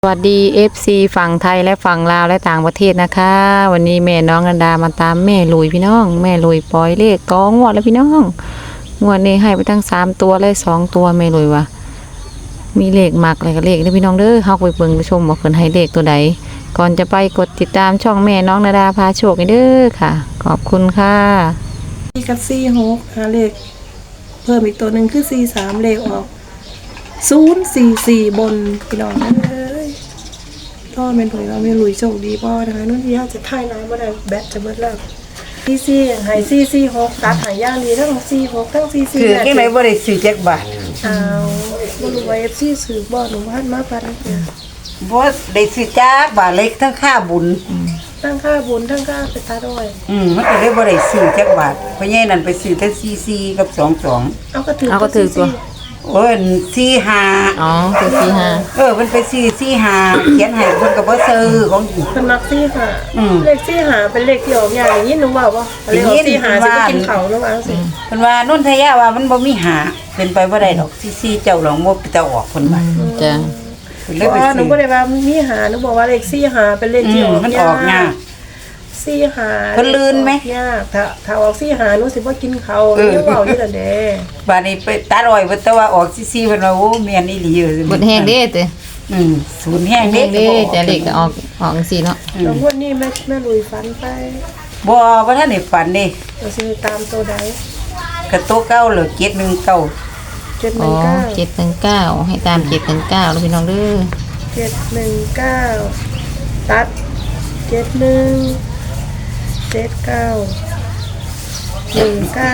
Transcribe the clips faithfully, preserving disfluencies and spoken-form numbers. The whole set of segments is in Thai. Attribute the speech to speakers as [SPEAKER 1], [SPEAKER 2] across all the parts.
[SPEAKER 1] สวัสดี เอฟ ซี ฝั่งไทยและฝั่งลาวและต่างประเทศนะคะวันนี้แม่น้องกันดามาตามแม่ลุยพี่น้องแม่ลุยปล่อยเลขตองวดแล้วพี่น้องงวดนี้ให้ไปทั้งสามตัวและสองตัวแม่ลุยว่ะมีเลขหมักอะไรกับเลขนะพี่น้องเด้อเฮาไปเบิ่งไปชมว่าเพิ่นให้เลขตัวใดก่อนจะไปกดติดตามช่องแม่น้องนาดาพาโชคเด้อค่ะขอบคุณค่ะ
[SPEAKER 2] สี่กับสี่หกหาเลขเพิ่มอีกตัวหนึ่งคือสี่สามเลขออกศูนย์สี่สี่บนพี่น้องเอ้ยพ่อเป็นผลเราไม่ลุยโชคดีพ่อนะคะนุ่นที่ยาจะท่ายน้ำมาได้แบตจะเบิดแล้วสี่สี่หายสี่สี่หกตัดหายย่างดีทั้งสี่หกทั้งสี่สี่
[SPEAKER 3] คือที่ไหนบ่ได้ซื้อจักบาท
[SPEAKER 2] อ้าวบ่รู้ว่าเอฟซีซื้อบ่หนูพันมาพันเนี่ย
[SPEAKER 3] บ่ได้ซื้อจักบาทเล็กทั้งค่าบุญ
[SPEAKER 2] ทั้งค่าบุญทั้งค่าไปตาด้วย
[SPEAKER 3] อืมมันก็เลยบ่ได้ซื้อจักบาทเพราะใหญ่นั่นไปซื้อแต่สี่สี่กับสองสอง
[SPEAKER 2] เอาก็ถือ
[SPEAKER 1] เอาก็ถือตัว
[SPEAKER 3] โอ้ยสี่ห้า
[SPEAKER 1] อ๋อคือสี่ห้า
[SPEAKER 3] เออมันไปซื้อสี่ห้าเขียนให้เพิ่นก็บ่ซื้อของอีก
[SPEAKER 2] เป็นมักซี่ค่ะ
[SPEAKER 3] อืม
[SPEAKER 2] เลขซี่หาเป็นเลขที่ออกอย่างนี้หนูว่าป่ะเลขออกซี่หาสิไปกินเขาหนูว่าสิ
[SPEAKER 3] เพิ่นว่านนทยาว่ามันบ่มีหาเป็นไปบ่ได้ดอกสี่สี่เจ้าหลองบ่ไปจะออกเพิ่นว่า
[SPEAKER 1] จ้ะ
[SPEAKER 3] เพิ่น
[SPEAKER 2] เพ
[SPEAKER 3] เลย
[SPEAKER 2] ราะ
[SPEAKER 3] ไป
[SPEAKER 2] ว่าหนู
[SPEAKER 3] ซื้อ
[SPEAKER 2] บ่ได้ว่ามีหาหนูบอกว่าเลขซี่หาเป็นเลข
[SPEAKER 3] อื
[SPEAKER 2] ที่
[SPEAKER 3] ม
[SPEAKER 2] ออก
[SPEAKER 3] มันออกยาก
[SPEAKER 2] ซี่หา
[SPEAKER 3] เพิ่นลืนไหม
[SPEAKER 2] ยากถ้าถ้าออกซี่หาหนูสิบ่กินเขา
[SPEAKER 3] เออ
[SPEAKER 2] หนูเว้าอยู่นั่นเด้
[SPEAKER 3] บาดนี้ไปตัดอ้อยเพิ่นแต่ว่าออกสี่สี่เพิ่นว่าโอ้แม่นอีหลีเออ
[SPEAKER 1] เบิดแห้งเด้เต้
[SPEAKER 3] อืมศูนย์แห้ง
[SPEAKER 1] แห้ง
[SPEAKER 3] เด้
[SPEAKER 1] เด้จะเลขก็ออกออกจังซี่เนาะ
[SPEAKER 2] แล้วงวดนี้แม่แม่ลุยฝันไป
[SPEAKER 3] บ่บ่ทันได้ฝันเด้
[SPEAKER 2] เราสิตามตัวใด
[SPEAKER 3] กระโตะเก่าเลยเจ็ดหนึ่งเก้า
[SPEAKER 2] เจ็ดห
[SPEAKER 1] อ๋
[SPEAKER 2] นึ่
[SPEAKER 1] อง
[SPEAKER 2] เก้า
[SPEAKER 1] เจ็ดหนึ่งเก้าให้ตามเจ็ดหนึ่งเก้าแล้วพี่น้องเด้อ
[SPEAKER 2] เจ็ดหนึ่งเก้าตัดเจ็ดหนึ่งเจ็ดเก้าหนึ่งเก้า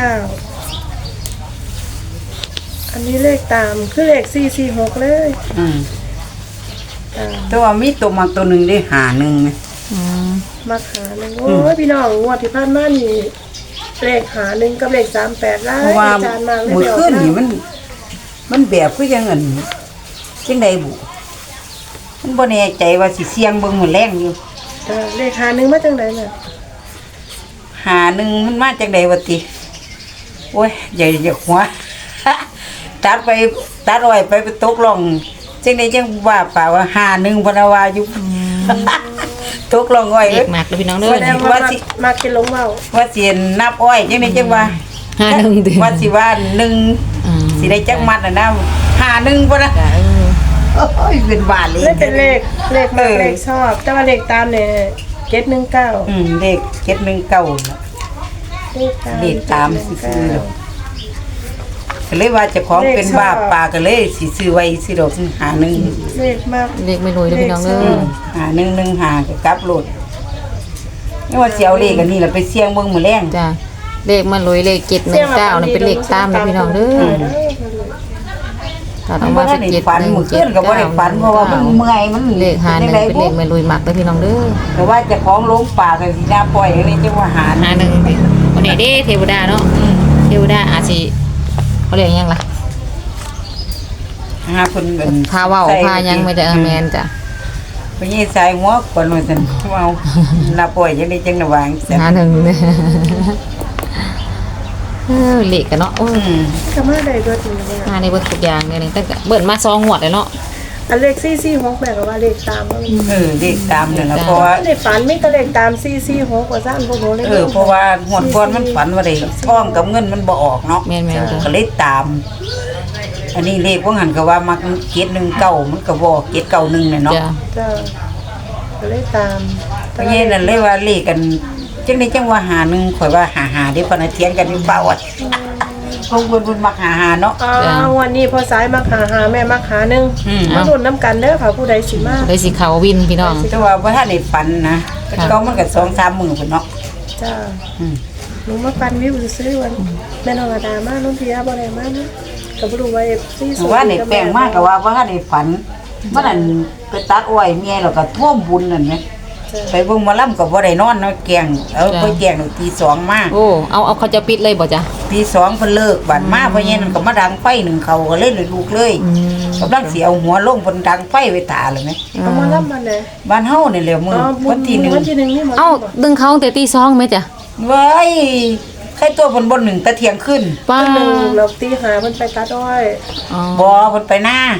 [SPEAKER 2] อันนี้เลขตามคือเลขสี่สี่หกเลย
[SPEAKER 3] อืม
[SPEAKER 2] ตาม
[SPEAKER 3] แต่ว่ามีตัวมักตัวหนึงได้หาหนึ่งนะ
[SPEAKER 1] อืม
[SPEAKER 2] มาหาหนึ่งโอ้ยพี่น้องงวดที่ผ่านมานี่เลขหาหนึ่งกับเลขสามแปดไล่
[SPEAKER 3] เพราะว่า
[SPEAKER 2] อาจารย์มาเลย
[SPEAKER 3] มื้อ
[SPEAKER 2] เดี๋ยว
[SPEAKER 3] คืนนี่มัน มันแบบคือยังอันจังไดบุมันบ่แน่ใจว่าสิเสี่ยงเบิ่งมื้อแรงอยู่
[SPEAKER 2] เออเลขหาหนึ่งมาจังไหนเนี่ย
[SPEAKER 3] หาหนึ่งมันมาจังไดวะติโอ้ยใหญ่อย่าหัว ตัดไปตัดอ้อยไปไปตกลงจังไดจังว่าป่าว่าหาหนึ่งพนาวาอยู่ ตกลงอ้อย
[SPEAKER 1] เล
[SPEAKER 3] เอ้
[SPEAKER 1] ข
[SPEAKER 3] ย
[SPEAKER 1] มากแล้วพี่น้องเด้
[SPEAKER 2] แส
[SPEAKER 1] อ
[SPEAKER 2] ด
[SPEAKER 1] นี่
[SPEAKER 2] งว่ามามากินลงเมา
[SPEAKER 3] ว่าสินับอ้อยจังไดจังว่า
[SPEAKER 1] ห้าหนึ่งเดือน
[SPEAKER 3] ว่าสิว่าหนึ่ง
[SPEAKER 1] อืม
[SPEAKER 3] สิได้จักมัดน่ะนะหาหนึ่งบ่นะ
[SPEAKER 1] จ้ะเออ
[SPEAKER 3] โอ้ยเป็นบาทเลย
[SPEAKER 2] ไม่เป็นเลขเลขมากเลขชอบ แต่ว่าเลขตามเนี่ยเจ็ดหนึ่งเก้า
[SPEAKER 3] อืมเลขเจ็ดหนึ่งเก้า
[SPEAKER 2] เลขตาม
[SPEAKER 3] เลขตามซื่อๆดอกก็เลยว่าเจ้าของเป็นบ้าปลาก็เลยสิซื้อไว้สิดอกหาหนึ่ง
[SPEAKER 2] เลขมาก
[SPEAKER 1] เลขไม่รวยแล้วพี่น้องเด้
[SPEAKER 2] เล
[SPEAKER 1] อ
[SPEAKER 2] ข
[SPEAKER 3] หาหนึ่งหนึ่งหาก็กลับรถนี่ว่าสิเอาเลขอันนี้ล่ะไปเสี่ยงเบิ่งมื้อแรง
[SPEAKER 1] จ้ะเลขมันรวยเลขเจ็ดหนึ่งเก้านี่เป็นเลขตามนะพี่น้องเด้อถ้า
[SPEAKER 3] มั
[SPEAKER 1] ต้อน ง
[SPEAKER 3] บ่
[SPEAKER 1] มา
[SPEAKER 3] ทั
[SPEAKER 1] เป็น
[SPEAKER 3] นได้
[SPEAKER 1] เจ็ด
[SPEAKER 3] ฝัน
[SPEAKER 1] หนึ่ง
[SPEAKER 3] มื้อคื
[SPEAKER 1] เจ็ด
[SPEAKER 3] นก็บ่ได้ฝันเพราะว่ามันเมื่อยมัน
[SPEAKER 1] เลขหาหนึ่งเป็นเลขไม่รวยหมักแล้วพี่น้องเด้อ
[SPEAKER 3] แต่ว่าเจ้าของลงป่าก็สิน่าปล่อยอันนี้จังว่าหา
[SPEAKER 1] หาหนึ่งวันนี้เด้เทวดาเนาะเทวดาอาจสิเขาเรียกยังล่ะ
[SPEAKER 3] หาเพิ่นเอิ้น
[SPEAKER 1] พาเว้าพายังไม่ได้เออแมนจ้ะ
[SPEAKER 3] ไปยี่สายหัวก่อนว่าซั่นเว้าน่าปล่อยจังได๋จังน่ะวางซั่น
[SPEAKER 1] หาหนึ่งเนี่ยเออเลขกันเนาะโอ้ย
[SPEAKER 3] อืม
[SPEAKER 2] ก็มาได้เบิดนี่เนี่ย
[SPEAKER 1] มาในเบิดทุกอย่างเลยนี่ตั้งแต่เบิดมาสองหัวดเลยเนาะ
[SPEAKER 2] อันเลขสี่สี่หกแม่ก็ว่าเลขตามว่า
[SPEAKER 3] เออเลขตามนั่นล่ะเพราะว่า
[SPEAKER 2] เลขฝันไม่ก็เลขตามสี่สี่หกว่าซ่านพวกหนูเลย
[SPEAKER 3] เออเพราะว่าหวดก่อนมันฝันว่าได้ท้องกับเงินมันบ่ออกเนาะ
[SPEAKER 1] แมนแมนจ้ะ
[SPEAKER 3] ก็เลยตาม อันนี้เลขว่าหันก็ว่ามักเจ็ดหนึ่งเก้ามันก็บ่เจ็ดเก้าหนึ่งเนี่ยเนาะ
[SPEAKER 1] จ้ะ
[SPEAKER 2] จ้าก็เลยตาม
[SPEAKER 3] เพราะงี้นั่นเลยว่าเลขกันจังได๋จังว่าหาหนึ่งข่อยว่าหาหาเด้พนันเทียนกันอยู่เปล่าอ่ะคงเพิ่นเพิ่นมักหาหาเนาะ
[SPEAKER 2] อ่าวันนี้พอสายมาหาหาแม่มาหาหนึ่ง
[SPEAKER 3] อืม
[SPEAKER 2] มาลุ้นน้ำกันเด้อค่ะผู้ใดสิมา
[SPEAKER 1] เลยสิเขาวินพี่น้อง
[SPEAKER 3] แต่ว่าบ่ทันได้ฝันนะก็ต้องมันก็สองสามมื้อพุ่นเนาะ
[SPEAKER 2] จ้า
[SPEAKER 3] อืม
[SPEAKER 2] หนูมาปันวิวซื้อวันแม่นองอาดามาน้องเพียบ่ได้มานะก็บ่รู้ว่าเอฟซี
[SPEAKER 3] ว่าได้แปลงมากก็ว่าบ่ทันได้ฝันว่านั่นไปตัดอ้อยเมียแล้วก็ท่วมบุญนั่นแหมไปเบิ่งหมอลำก็บ่ได้นอนเนาะแกงเอาไปแกงตีสองมา
[SPEAKER 1] โอ้เอาเอาเขาจะปิดเลยบ่จ้ะ
[SPEAKER 3] ตีสองเพิ่นเลิกบัดมาเพราะงี้นั่นก็มาดังไฟหนึ่งเขาก็เลยเลยลูกเลย
[SPEAKER 1] อืม
[SPEAKER 3] กำลังสิเอาหัวลงเพิ่นดังไฟไว้ตาเลยแหม
[SPEAKER 2] เอามารับมันเลย
[SPEAKER 3] บ้านเฮานี่แหละมื้อวันที่หนึ่ง
[SPEAKER 2] วันที่หนึ่งนี่หมด
[SPEAKER 1] เอ้าดึงเขาตั้งแต่ตีสองไหมจ้ะ
[SPEAKER 3] เว้ยใครตัวเพิ่นบ่หนึ่งแตะเที่ยงขึ้น
[SPEAKER 1] ป้า
[SPEAKER 2] หนึ่งเราตีหาเพิ่นไปตัดอ้อย
[SPEAKER 1] อ๋อ
[SPEAKER 3] บ่เพิ่นไปหน้า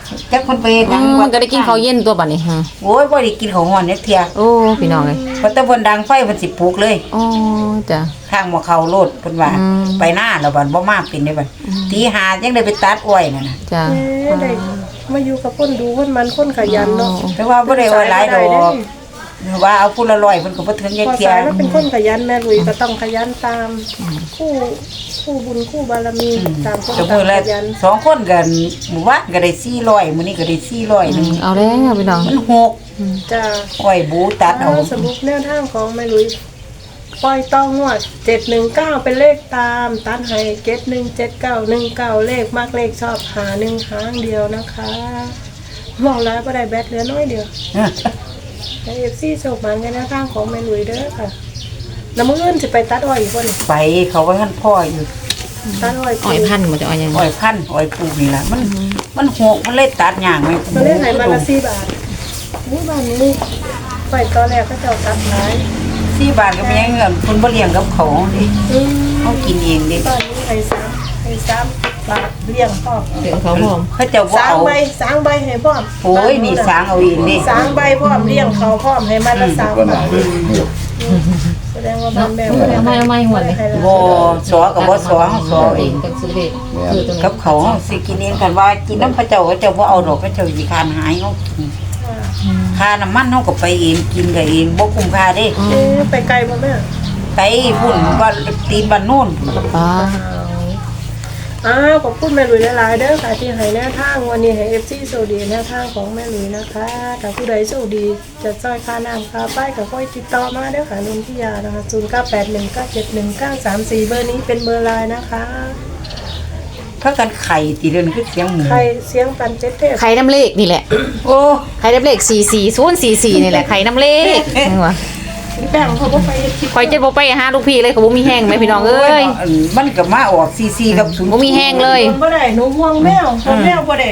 [SPEAKER 3] จักคนไปเฮ็ดห
[SPEAKER 1] อื
[SPEAKER 3] ยัง
[SPEAKER 1] มมันก็ได้กินข้าวเย็นตัวบัดนี้ฮะ
[SPEAKER 3] โอ้ยบ่ได้กินข้าวฮ้อนเนี่ยเที่ย
[SPEAKER 1] โอ้พี่น้องเอ้ย
[SPEAKER 3] เพราะแต่เพิ่นดังไฟเพิ่นสิปลูกเลย
[SPEAKER 1] โอ้จ้ะ
[SPEAKER 3] ข้างบ่เข้าโลดเพิ่นว่า
[SPEAKER 1] อืม
[SPEAKER 3] ไปหน้าแล้วบัดบ่มาเป็นได้บัดตีห้ายังได้ไปตัดอ้อยนั่นน่ะ
[SPEAKER 1] จ้ะ
[SPEAKER 2] เอ๊ะได้มาอยู่กับคนดูคนมันคนขยันเนาะ
[SPEAKER 3] แต่ว่าบ่ได้ว่าหลายดอกว่าเอาผู้ละร้อยเพิ่นก็บ่ถึงจัก
[SPEAKER 2] พอ
[SPEAKER 3] เที่ย
[SPEAKER 2] สายแล้วเป็นคนขยันแม่ลุยก็ต้องขยันตามคู่คู่บุญคู่บารมีตามคน
[SPEAKER 3] ก็
[SPEAKER 2] ตา
[SPEAKER 3] มื้
[SPEAKER 2] ม
[SPEAKER 3] อละ
[SPEAKER 2] ขยัน
[SPEAKER 3] สองคนกันหมู่บ้านก็ได้สี่ร้อยมื้อนี้ก็ได้สี่ร้อยนึง
[SPEAKER 1] เอาแล้วพี่น้อง
[SPEAKER 3] มันหก
[SPEAKER 2] จ้า
[SPEAKER 3] อ้อยบูตัดเอา
[SPEAKER 2] สรุปแนวทางของแม่ลุยปล่อยต้องงวดเจ็ดหนึ่งเก้าเป็นเลขตามตันให้เจ็ดหนึ่งเจ็ดเก้าหนึ่งเก้าเลขมากเลขชอบหาหนึ่งหางเดียวนะคะมองแล้วก็ได้แบตเหลือน้อยเดียวเอฟซีโชคมันกันแนวทางของแม่ลุยเด้อค่ะแล้วมื้ออื่นจะไปตัดอ้อยอีกคน
[SPEAKER 3] ไปเขาว่าท่านพ่ออยู่
[SPEAKER 2] ตัดอ้อย
[SPEAKER 1] อ้อยพันธุ์มันจะอ้อยยัง
[SPEAKER 3] อ้อยพันธุ์อ้อยปลูกนี่ล่ะมันมันหกมันเลยตัดย่างไหม
[SPEAKER 2] ตัวเลขไหนมาละสี่บาทนี่บ้านนี้ไปตอนแรกก็จะเอาตัดขาย
[SPEAKER 3] สี่บาทก็มีเงินเพิ่นบ่เลี้ยงกับเขาดิ
[SPEAKER 2] อืม
[SPEAKER 3] เขากินเองดิ
[SPEAKER 2] บ้านนี้ให้สามให้สามบาทเลี้ยงพ่อ
[SPEAKER 1] เดี๋ยวเขาพร้อม
[SPEAKER 3] เขาเจะบ่
[SPEAKER 2] สาง
[SPEAKER 3] เอา
[SPEAKER 2] ใบสางใบให้พร้อม
[SPEAKER 3] โอ้ยนี่สางเอาเองดิ
[SPEAKER 2] สางใบพร้อมเลี้ยงเขาพร้อมให้มันละสามบาทแสดงว่าบ้านแม่บ่ด้
[SPEAKER 1] เอาไม่เอาไม่หมดเลย
[SPEAKER 2] ให้ละ
[SPEAKER 3] บ่สอกับบ่สอเขาสอเอง
[SPEAKER 1] กับซื้อเด็กคือตรง
[SPEAKER 3] กับเขาเขาสิกินเองกันว่ากินน้ำพระเจ้าเขาเจ้าบ่เอาดอกพระเจ้าสิคานหายเขากินค่าน้ำมันเขาก็ไปเองกินก็เองบ่คุ้มค่าเด้
[SPEAKER 2] เอ๊ะไปไกลบ่แม่
[SPEAKER 3] ไปพุ่นว่าตีนบ้านโน่น
[SPEAKER 1] ป้า
[SPEAKER 2] อ้าวขอบคุณแม่หลุยหลายๆเด้อค่ะที่ให้แนวทางวันนี้ให้ เอฟ ซี โชคดีแนวทางของแม่หลุยนะคะถ้าผู้ใดโชคดีจะจ้อยค่าน้ำค่าป้ายก็ค่อยติดต่อมาเด้อค่ะลุงพิยานะคะศูนย์เก้าแปดหนึ่งเก้าเจ็ดหนึ่งเก้าสามสี่เบอร์นี้เป็นเบอร์ไลน์นะคะ
[SPEAKER 3] ถ้ากันไข่ตีเดินคือเสียงหมู
[SPEAKER 2] ใครเสียงปันเจ็ดเทพ
[SPEAKER 1] ไข่น้ำเลขนี่แหละ
[SPEAKER 3] โอ้
[SPEAKER 1] ไข่น้ำเลขสี่สี่ศูนย์สี่สี่นี่แหละไข่น้ำเลขนี่วะ
[SPEAKER 2] แบ่งเขาก็ไปคิด
[SPEAKER 1] คอยเจ็ดบ่ไปหาลูกพี่เลยเขาบ่มีแห้งไหมพี่น้องเอ้ย
[SPEAKER 3] มันก็มาออกซีซีกับศูนย์
[SPEAKER 1] บ่มีแห้งเลย
[SPEAKER 2] บ่ได้หนูห่วงแมวห่วงแมวบ่ได้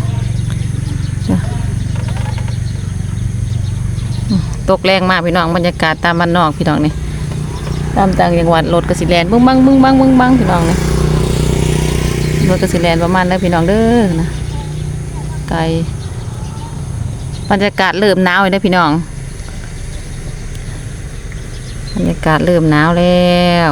[SPEAKER 1] ตกแรงมากพี่น้องบรรยากาศตามบ้านนอกพี่น้องนี่ตามต่างจังหวัดรถกสิแลนบึ้งบังบึ้งบังบึ้งบังพี่น้องนี่รถกสิแลนประมาณนั้นพี่น้องเด้อนะไกลบรรยากาศเริ่มหนาวเลยนะพี่น้องบรรยากาศเริ่มหนาวแล้ว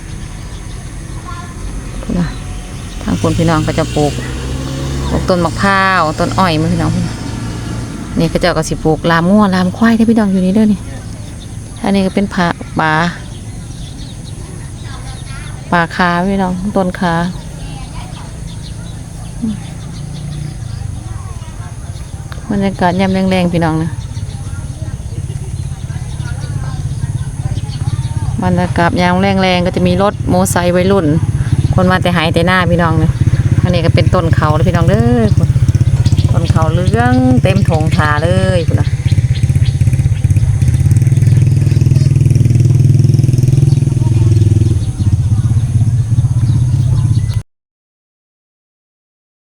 [SPEAKER 1] พุ่นนะทางคนพี่น้องก็จะปลูกปลูกต้นมะพร้าวต้นอ้อยมาพี่น้องพุ่นนะนี่ก็เจ้าก็สิปลูกลามงัวลามควายได้อพี่น้องอยู่นี่เด้อนี่อันนี้ก็เป็นผาป่าป่าคาพี่น้องต้นคาบรรยากาศยามแรงๆพี่น้องนะบรรยากาศยามแรงๆก็จะมีรถโมอไซค์วัยรุ่น คนมาแต่หายแต่หน้าพี่น้องเนี่ยอันนี้ก็เป็นต้นเขาแล้วพี่น้องเด้อต้นเขาเรื่องเต็มถงขาเลยพุ่นนะ